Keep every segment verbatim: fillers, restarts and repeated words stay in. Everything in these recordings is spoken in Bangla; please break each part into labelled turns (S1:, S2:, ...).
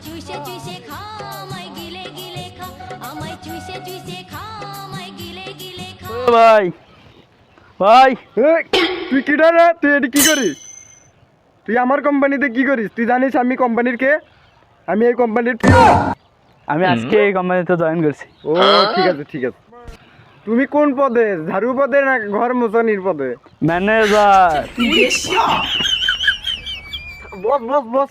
S1: চুষে চুষে খা আমায় গিলে গিলে খা আমায় চুষে চুষে খা আমায় গিলে গিলে খা
S2: ও ভাই ভাই
S3: এই, তুই কিটা রে? তুই এটি কি করিস? তুই আমার কোম্পানিতে কি করিস? তুই জানিস আমি কোম্পানির কে? আমি এই কোম্পানির পিয়ন।
S2: আমি আজকে এই কোম্পানিতে জয়েন করছি।
S3: ও ঠিক আছে ঠিক আছে। তুমি কোন পদে? ঝাড়ু পদে না ঘর মোছানির পদে?
S2: ম্যানেজার।
S3: Boss boss boss.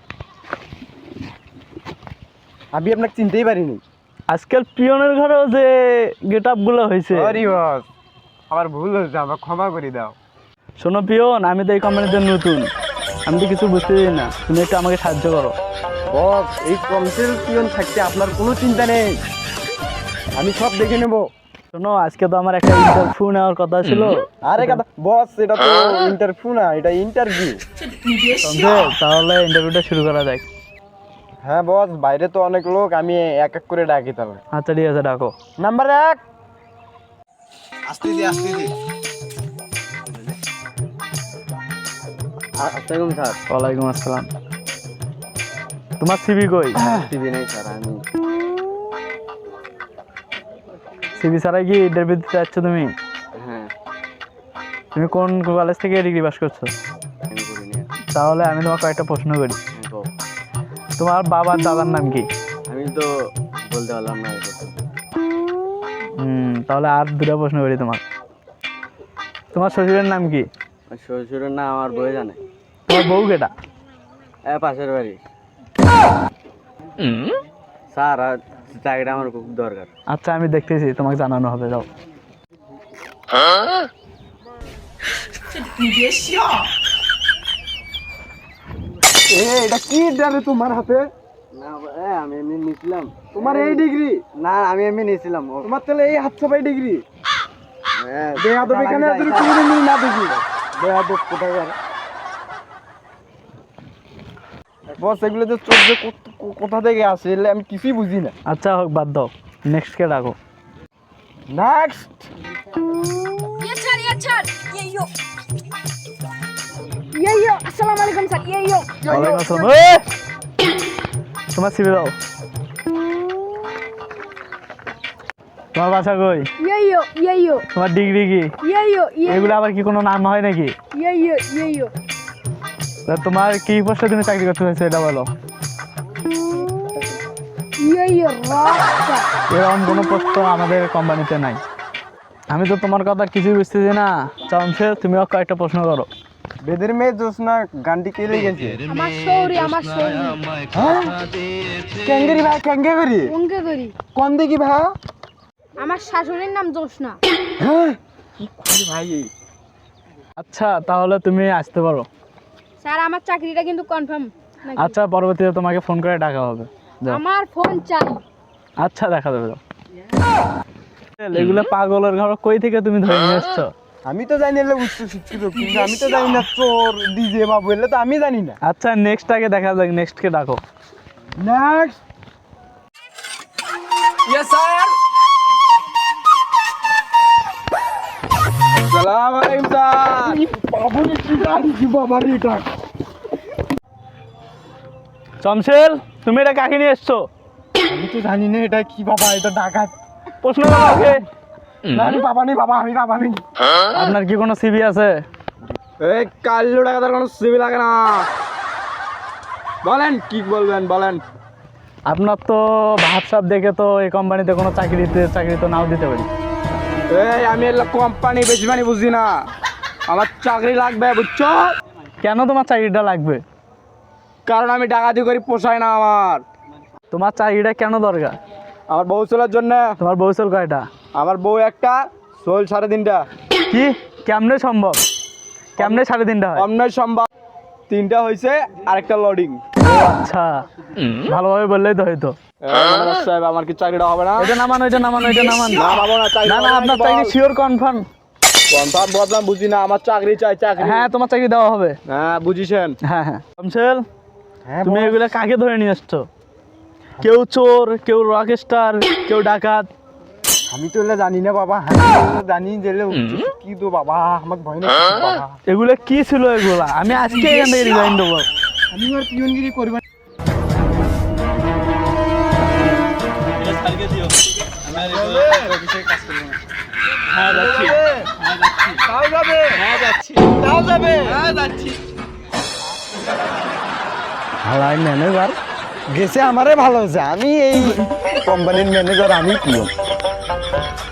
S3: আমি আপনাকে চিনতেই পারিনি।
S2: আজকাল পিয়নের ঘরেও যে গেট আপ গুলো হয়েছে।
S3: সরি বস, আমার ভুল হয়েছে, আমার ক্ষমা করে দাও।
S2: শোনো পিয়ন, আমি তো এই কোম্পানিতে নতুন, আমি তো কিছু বুঝতেছি না, তুমি একটু আমাকে সাহায্য করো।
S3: বস, এই কনসেল পিয়ন থাকতে আপনার কোনো চিন্তা নেই, আমি সব দেখে নেব।
S2: শোনো, আজকে তো আমার একটা ইন্টারভিউ নেওয়ার কথা ছিল।
S3: আরে কথা বস, এটা তো ইন্টারভিউ না, এটা ইন্টারভিউ।
S2: তাহলে ইন্টারভিউটা শুরু করা যাক।
S3: হ্যাঁ বস, বাইরে তো অনেক লোক, আমি এক এক করে ডাকি তাহলে।
S2: আচ্ছা ঠিক আছে, ডাকো।
S3: নাম্বার এক।
S4: আস্তে দি আস্তে দি
S3: আসসালাম স্যার।
S2: ওয়ালাইকুম আসসালাম। তোমার সিভি কই?
S3: টিভি নেই স্যার, আমি
S2: সিভি ছাড়াই কি ইন্টারভিউ দিতে যাচ্ছ তুমি?
S3: হ্যাঁ
S2: তুমি কোন কলেজ থেকে ডিগ্রি পাস করছো?
S3: আমি করিনি।
S2: তাহলে আমি তোমাকে কয়েকটা প্রশ্ন করি। তোমার বাবার দাদার নাম কি?
S3: আমি তো বলতে পারলাম না এটা তো।
S2: হুম, তাহলে আর দুটো প্রশ্ন করি তোমার। তোমার শ্বশুরের নাম কি?
S3: শ্বশুরের না আমার বই জানে।
S2: তোমার বউ কেটা?
S3: এ পাশের বাড়ি। স্যার, আর চাকরিটা আমার খুব দরকার।
S2: আচ্ছা আমি দেখতেছি, তোমাকে জানানো হবে, যাও।
S3: এ এটা কি ডারে তোমার হাতে? না এ আমি এমনি নিছিলাম। তোমার এই ডিগ্রি? না আমি এমনি নিছিলাম। তোমার তাহলে এই হাত ছাপাই ডিগ্রি? হ্যাঁ, বেয়াদব এখানে যদি তুমি মিল না দেখি। বেয়াদব কোথায় আর? বস, এগুলো যে চোখ যে কোথ- কোথা থেকে আসে এগুলো আমি কিছুই বুঝি না।
S2: আচ্ছা হোক, বাদ দাও, নেক্সট কে ডাকো।
S3: নেক্সট।
S5: ये सर ये सर ये यो ये यो अस्सलाम वालेकुम सर ये यो
S2: ওয়ালাইকুম আসসালাম। এই! তোমার সিভি দাও। তোমার বাসা কই?
S5: ये यो ये यो
S2: তোমার ডিগ্রি কি?
S5: ये यो ये
S2: এগুলো আবার কি কোনো নাম হয় নাকি?
S5: ये यो ये यो
S2: তা তোমার কি পোস্টে তুমি চাকরি করতে চাইছো এটা বলো।
S5: ये यो रास्ता
S2: এরকম কোনো পোস্ট আমাদের কোম্পানিতে নাই। আমি তো তোমার কথা কিছুই বুঝতেছি না। চামছে, তুমিও কয়েকটা প্রশ্ন করো।
S3: বেদের মেয়ে জোসনা গানটি কে লেগেছে?
S5: আমার শৌরি আমার শৌরি
S3: হ্যাঁ, ক্যাঙ্গেরি ভাই, ক্যাঙ্গে করি
S5: কোনকে করি
S3: কোন দেখি ভাই?
S5: আমার শাশুড়ির নাম জোসনা
S3: হ্যাঁ, কি করি ভাই?
S2: আচ্ছা তাহলে তুমি আসতে পারো।
S5: স্যার আমার চাকরিটা কিন্তু কনফার্ম
S2: আচ্ছা, পরবর্তীতে তোমাকে ফোন করে ডাকা হবে, যাও।
S5: আমার ফোন চাই
S2: আচ্ছা, দেখা যাবে, যাও। এগুলো পাগলের ঘর কই থেকে তুমি ধরে নিয়ে এসছো?
S3: আমি তো জানি না উচ্চ শিক্ষিত, কিন্তু আমি তো জানি না চোর ডিজে বাবু, এলে তো আমি জানি না।
S2: আচ্ছা নেক্সট আগে দেখা যাক, নেক্সট কে ডাকো।
S3: নেক্সট।
S4: ইয়েস স্যার
S3: সালাম আলাইকুম স্যার। বাবু কি গাড়ি কি বাবা রে এটা?
S2: চমশেল, তুমি এটা কাকে নিয়ে এসছো?
S3: আমি তো জানি না এটা কি বাবা, এটা ডাকাত।
S2: প্রশ্ন করো ওকে।
S3: না আমি বাবা নেই, বাবা আমি বাবা নেই।
S2: আপনার কি কোনো সিভি আছে?
S3: এই কাল্লু ডাকাতের কোনো সিবি লাগে না। বলেন কি বলবেন বলেন।
S2: আপনার তো ভাবসাব দেখে তো এই কোম্পানিতে কোনো চাকরিতে চাকরি তো নাও দিতে পারি।
S3: এই আমি এগুলো কোম্পানি বেশি মানে বুঝি না, আমার চাকরি লাগবে বুঝছো?
S2: কেন তোমার চাকরিটা লাগবে?
S3: কারণ আমি ডাকাতি করি, পোষায় না আমার।
S2: তোমার চাকরিটা কেন দরকার?
S3: আমার বউ চলার জন্য।
S2: তোমার বউ চল কয়টা?
S3: আমার বউ একটা, চল সাড়ে তিনটা।
S2: কি? কেমনে সম্ভব? কেমনে সাড়ে তিনটা হয়?
S3: অন্যায় সম্ভব। তিনটা হয়েছে, আরেকটা লোডিং।
S2: আচ্ছা, ভালোভাবে বললেই তো হয়তো।
S3: সাহেব, আমার কি চাকরিটা হবে না?
S2: এটা নামান, ওইটা নামান, ওইটা নামান।
S3: না বাবু না, চাকরি
S2: না না, আপনার চাকরি শিওর কনফার্ম।
S3: কনফার্ম বললাম, বুঝি না, আমার চাকরি চাই, চাকরি।
S2: হ্যাঁ, তোমার চাকরি দেওয়া হবে।
S3: হ্যাঁ বুঝিছেন।
S2: হ্যাঁ হ্যাঁ। শমশেল,
S3: হ্যাঁ
S2: তুমি এগুলা কাকে ধরে নিয়ে এসছো? কেউ চোর, কেউ রকস্টার, কেউ ডাকাত।
S3: আমি তো এগুলো জানি না বাবা, আমি তো জানি যে কি তো বাবা, আমাকে ভয় না বাবা।
S2: এগুলা কি ছিল এগুলা? আমি আজকে এখান থেকে রিজাইন দেবো।
S3: আমি আর পিয়নগিরি করব।
S2: স্যারকে দিও আমি আর এই অফিসে কাজ করব না হ্যাঁ যাচ্ছি হ্যাঁ যাচ্ছি
S3: তাও যাবে
S2: হ্যাঁ যাচ্ছি
S3: তাও যাবে
S2: হ্যাঁ যাচ্ছি
S3: হালাই ম্যানেজার গেছে আমারে ভালো হয়েছে আমি এই কোম্পানির ম্যানেজার আমি প্রিয়